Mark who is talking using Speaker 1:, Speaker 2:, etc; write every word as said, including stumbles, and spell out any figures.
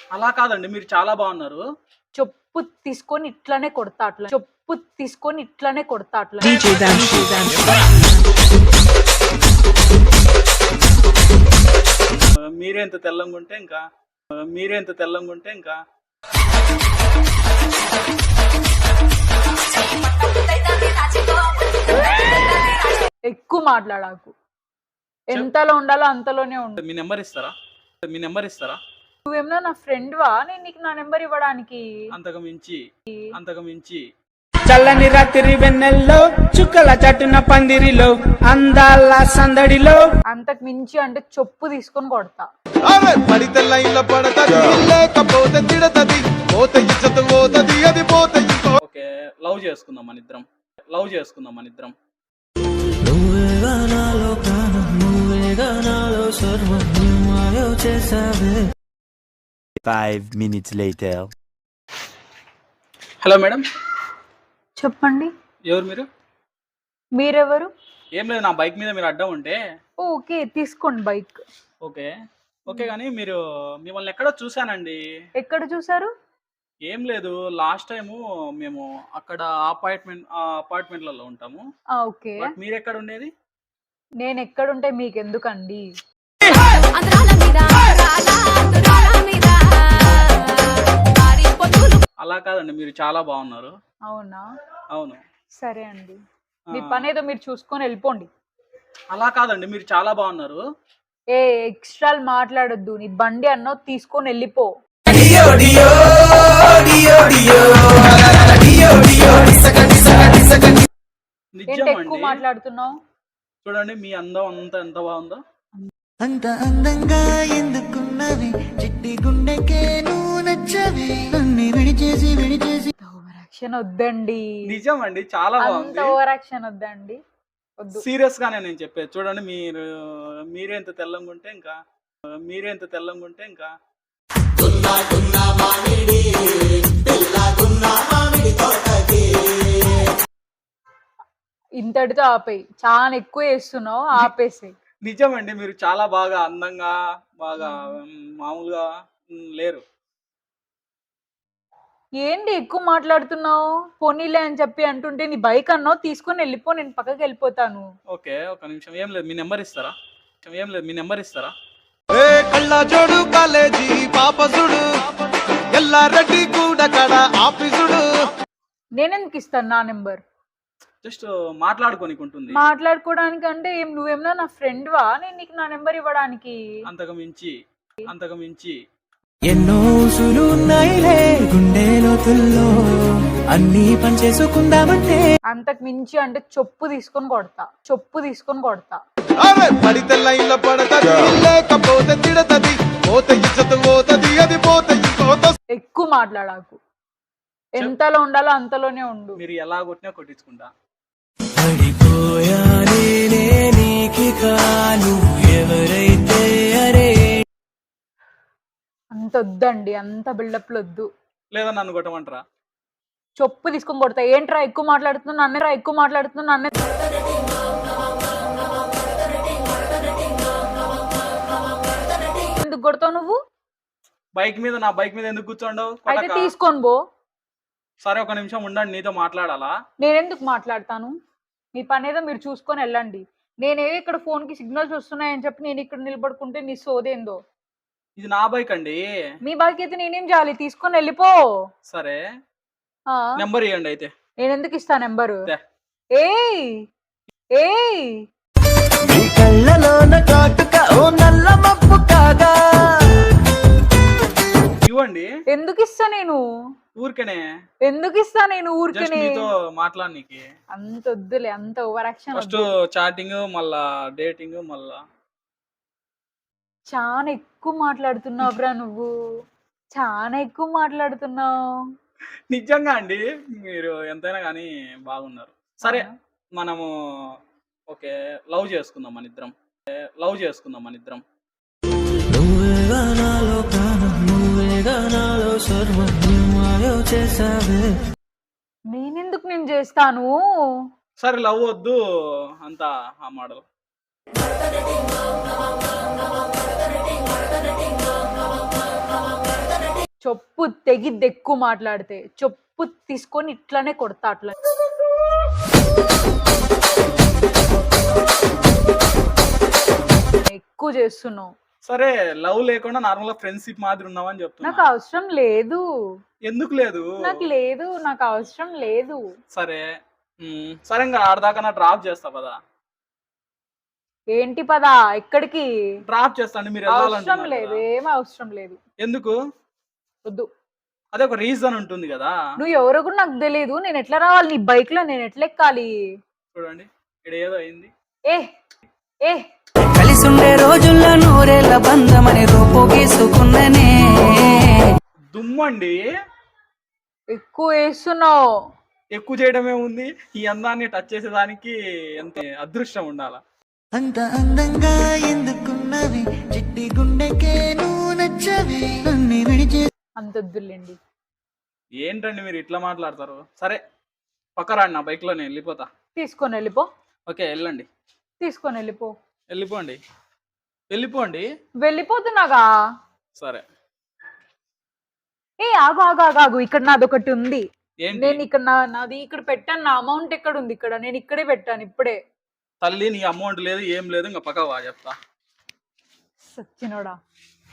Speaker 1: అలా కాదండి. మీరు చాలా బాగున్నారు.
Speaker 2: చెప్పు తీసుకొని ఇట్లనే కొడతా అట్లా. చెప్పు తీసుకొని ఇట్లనే కొడతా అట్లా.
Speaker 3: డీజే డాన్స్ డాన్స్
Speaker 1: ఆహ్, మీరే ఇంత తెల్లంగుంటే ఇంకా ఆహ్, మీరే ఇంత తెల్లంగుంటే ఇంకా
Speaker 2: ఎక్కువ మాట్లాడాకు. ఎంతలో ఉండాలో అంతలోనే ఉండు.
Speaker 1: మీ నంబర్ ఇస్తారా? మీ నంబర్ ఇస్తారా?
Speaker 2: నువ్వేమన్నా నా ఫ్రెండ్‌వా? నేను నీకు నా నంబర్ ఇవ్వడానికి.
Speaker 1: అంతకు మించి అంతకు మించి
Speaker 3: చల్లని రాత్రి వెన్నెల్లో చుక్కల చట్టున పందిరిలో అందాల సందడిలో
Speaker 2: అంతకు మించి అంటే చెప్పు తీసుకొని కొడతా.
Speaker 4: అరే పడితే లైన్ల పడతది లేకపోతే తిడతది పోతే ఇచ్చత పోతది అది పోతే ఇంకో
Speaker 1: ఓకే. లవ్ చేసుకుందాం మనిద్దరం. లవ్ చేసుకుందాం మనిద్దరం.
Speaker 5: నువ్వేగా నాలో ప్రాణం నువ్వేగా నాలో సర్వం నువ్వు చేసావే.
Speaker 6: Five minutes later.
Speaker 1: Hello madam.
Speaker 2: చెప్పండి.
Speaker 1: ఎవరు మీరు?
Speaker 2: మీరెవరు?
Speaker 1: ఏం లేదు, నా బైక్ మీద మీరు అడ్డం ఉంటే
Speaker 2: ఓకే. తీసుకోండి బైక్.
Speaker 1: ఓకే. ఓకే గానీ మీరు మిమ్మల్ని ఎక్కడో చూసానండి.
Speaker 2: ఎక్కడ చూసారు?
Speaker 1: ఏం లేదు, లాస్ట్ టైము మేము అక్కడ అపార్ట్మెంట్ ఆ అపార్ట్మెంట్‌లలో ఉంటాము.
Speaker 2: ఆ! ఓకే.
Speaker 1: బట్ మీరెక్కడ ఉండేది?
Speaker 2: నేను ఎక్కడుంటే మీకెందుకండి?
Speaker 1: అలా కాదండి, మీరు చాలా బాగున్నారు.
Speaker 2: అవునా?
Speaker 1: అవును.
Speaker 2: సరే అండి.
Speaker 1: ఆ,
Speaker 2: మీ పనేదో మీరు చూసుకొని వెళ్ళిపోండి.
Speaker 1: అలా కాదండి, మీరు చాలా బాగున్నారు.
Speaker 2: ఏ ఎక్స్ట్రాలు మాట్లాడొద్దు. నీ బండి అన్నో తీసుకొని వెళ్ళిపో.
Speaker 1: నిజం
Speaker 2: ఏంటి ఎక్కువ
Speaker 1: అండి.
Speaker 2: మాట్లాడుతున్నావు?
Speaker 1: చూడండి మీ అందం అంతా ఎంత బాగుందో.
Speaker 5: అంత అందంగా ఎందుకున్నవి చిట్టి గుండెకే నువ్వు నచ్చవి నన్ను విడిచేసి విడిచేసి
Speaker 2: ఓవర్ యాక్షన్ వద్దండి.
Speaker 1: నిజం అండి, చాలా
Speaker 2: అంత
Speaker 1: బాగుంది.
Speaker 2: ఓవర్ యాక్షన్ వద్దండి. వద్దు.
Speaker 1: సీరియస్ గానే నేను చెప్పేది. చూడండి మీరు మీరే ఇంత తెల్లంగుంటే ఇంకా మీరే ఇంత తెల్లంగుంటే ఇంకా
Speaker 2: ఇంతటితో ఆపేయి. చాలా ఎక్కువ చేస్తున్నావు. ఆపేసేయ్.
Speaker 1: నిజం అండి, మీరు చాలా బాగా అందంగా బాగా మ్, మామూలుగా మ్, లేరు.
Speaker 2: ఏంటి ఎక్కువ మాట్లాడుతున్నావు? పోనీలే అని చెప్పి అంటుంటే నీ బైక్ అన్నావు తీసుకొని వెళ్ళిపో. నేను పక్కకి వెళ్ళిపోతాను.
Speaker 1: ఓకే, ఒక నిమిషం. ఏం లేదు, మీ నెంబర్ ఇస్తారా? ఏం లేదు, మీ నెంబర్ ఇస్తారా?
Speaker 4: ఏ కళ్ళ జోడు కాలేజీ పాపసుడు ఎల్లారెడ్డి కూడా కడ ఆఫీసుడు
Speaker 2: నేనెందుకు ఇస్తాను నా నెంబర్?
Speaker 1: జస్ట్ మాట్లాడుకోనికి ఉంటుంది.
Speaker 2: మాట్లాడుకోవడానికి అంటే ఏం నువ్వేమన్నా నా ఫ్రెండ్‌వా? నేను నీకు నా నెంబర్ ఇవ్వడానికి.
Speaker 1: అంతకు మించి అంతకు మించి
Speaker 5: ఎన్నో ఊసులు ఉన్నాయిలే గుండె లోతుల్లో అన్ని పని చేసుకుందామంటే
Speaker 2: అంతకు మించి అంటే చెప్పు తీసుకొని కొడతా. చెప్పు తీసుకొని కొడతా.
Speaker 4: అరే పడితే లైన్ల పడతది లేకపోతే తిడతది పోతే ఇచ్చత పోతది అది పోతే ఇంకోత
Speaker 2: ఎక్కువ మాట్లాడాకు. ఎంతలో ఉండాలో అంతలోనే ఉండు.
Speaker 1: మీరు ఎలా కొట్టినా కొట్టించుకుంటా.
Speaker 5: పడిపోయానే నీకిక నువ్వు ఎవరైతే అరే
Speaker 2: అంత వద్దండి. అంత బిల్డప్లు వద్దు.
Speaker 1: లేదా నన్ను కొట్టమంటారా?
Speaker 2: చెప్పు తీసుకొని కొడతా. ఏంట్రా ఎక్కువ మాట్లాడుతున్నావు? నన్నే ఎక్కువ మాట్లాడుతున్నావు. నన్నే ఎందుకు కొడతావు నువ్వు?
Speaker 1: బైక్ మీద నా బైక్ మీద ఎందుకు కూర్చోండవు?
Speaker 2: అయితే తీసుకొని పో.
Speaker 1: సరే, ఒక నిమిషం ఉండండి, నీతో మాట్లాడాలా?
Speaker 2: నేనెందుకు మాట్లాడతాను? మీ పనేదో మీరు చూసుకొని వెళ్ళండి. నేనేదో ఇక్కడ ఫోన్కి సిగ్నల్స్ వస్తున్నాయని చెప్పి నేను ఇక్కడ నిలబడుకుంటే నీ సోదేందో.
Speaker 1: ఇది నా బైక్ అండి.
Speaker 2: మీ బైక్ అయితే నేనేం చేయాలి? తీసుకొని వెళ్ళిపో.
Speaker 1: సరే,
Speaker 2: ఆ,
Speaker 1: నెంబర్ ఇవ్వండి అయితే.
Speaker 2: నేనెందుకు ఇస్తా నెంబరు?
Speaker 1: దే.
Speaker 2: ఏయ్ ఏయ్
Speaker 5: నీ కళ్ళలోన కాటుక ఓ నల్ల మబ్బు కాగా
Speaker 1: ఇవ్వండి.
Speaker 2: ఎందుకు ఇస్తా నేను?
Speaker 1: ఊరికనే
Speaker 2: ఎందుకు ఇస్తా నేను
Speaker 1: జస్ట్
Speaker 2: ఊరికనే?
Speaker 1: మీతో మాట్లాడనీకి.
Speaker 2: అంత వద్దులే. అంత ఓవర్ యాక్షన్
Speaker 1: ఫస్ట్ చాటింగ్, మళ్ళా డేటింగ్, మళ్ళా
Speaker 2: చాలా ఎక్కువ మాట్లాడుతున్నావు బ్రా నువ్వు. చాలా ఎక్కువ మాట్లాడుతున్నావు.
Speaker 1: నిజంగా అండి, మీరు ఎంతైనా కానీ బాగున్నారు. సరే, మనము ఓకే లవ్ చేసుకుందాం మనిద్దరం. లవ్ చేసుకుందాం మనిద్దరం.
Speaker 5: నువ్వేగా నాలో ప్రాణం నువ్వేగా నాలో సర్వం నువ్వు చేసావే.
Speaker 2: నేనెందుకు నేను చేస్తాను?
Speaker 1: సరే, లవ్ వద్దు అంతా ఆ మోడల్.
Speaker 2: చెప్పు తెగిద్ది ఎక్కువ మాట్లాడితే. చెప్పు తీసుకొని ఇట్లానే కొడతా అట్లా. ఎక్కువ చేస్తున్నావు.
Speaker 1: సరే లవ్ లేకుండా నార్మల్ గా ఫ్రెండ్షిప్ మాదిరి ఉన్నావని చెప్తున్నా.
Speaker 2: నాకు అవసరం లేదు.
Speaker 1: ఎందుకు లేదు?
Speaker 2: నాకు లేదు, నాకు అవసరం లేదు.
Speaker 1: సరే ఉమ్, సరే ఇంకా ఆడదాకా నా డ్రాప్ చేస్తా పదా.
Speaker 2: ఏంటి పదా ఎక్కడికి?
Speaker 1: డ్రాప్ చేస్తాండి మీరు
Speaker 2: అవసరం
Speaker 1: వెళ్ళాలంటున్నారు
Speaker 2: లేదు,
Speaker 1: కదా.
Speaker 2: ఏం అవసరం లేదు.
Speaker 1: ఎందుకు?
Speaker 2: వద్దు.
Speaker 1: అదే ఒక రీజన్ ఉంటుంది కదా.
Speaker 2: నువ్వు ఎవరో కూడా నాకు తెలియదు. నేను ఎట్లా రావాలి నీ బైక్ లో? నేను ఎట్లా ఎక్కాలి?
Speaker 1: చూడండి ఇక్కడ ఏదో అయింది.
Speaker 2: ఏ ఏ
Speaker 7: కలిసుండే రోజుల్లో నూరేళ్ల బంధమని రూపు గీసుకున్ననే.
Speaker 1: దుమ్మండి.
Speaker 2: ఎక్కువ వేస్తున్నావు.
Speaker 1: ఎక్కువ చేయడమే ఉంది. ఈ అందాన్ని టచ్ చేసేదానికి ఎంత అదృష్టం ఉండాలా?
Speaker 5: అంత అందంగా ఎందుకున్నవి చిట్టి గుండెకే నువ్వు నచ్చవి అన్ని విడిచే
Speaker 2: అంత వద్దులేండి.
Speaker 1: ఏంటండి మీరు ఇట్లా మాట్లాడతారు? సరే పక్క రాండి, నా బైక్ లో నేను వెళ్ళిపోతా.
Speaker 2: తీసుకొని వెళ్ళిపో.
Speaker 1: ఓకే వెళ్ళండి.
Speaker 2: తీసుకొని వెళ్ళిపో.
Speaker 1: వెళ్ళిపోండి వెళ్ళిపోండి.
Speaker 2: వెళ్ళిపోతున్నాగా.
Speaker 1: సరే
Speaker 2: ఏ ఆగు ఆగు ఆగు ఆగు. ఇక్కడ నాది ఒకటి ఉంది.
Speaker 1: ఏంటి?
Speaker 2: నేను ఇక్కడ నా నాది ఇక్కడ పెట్టాను. నా అమౌంట్ ఎక్కడ ఉంది? ఇక్కడ నేను ఇక్కడే పెట్టాను ఇప్పుడే.
Speaker 1: తల్లి నీ అమౌంట్ లేదు ఏం లేదు, ఇంకా పక్క వా చెప్తా.
Speaker 2: సచ్చినోడా.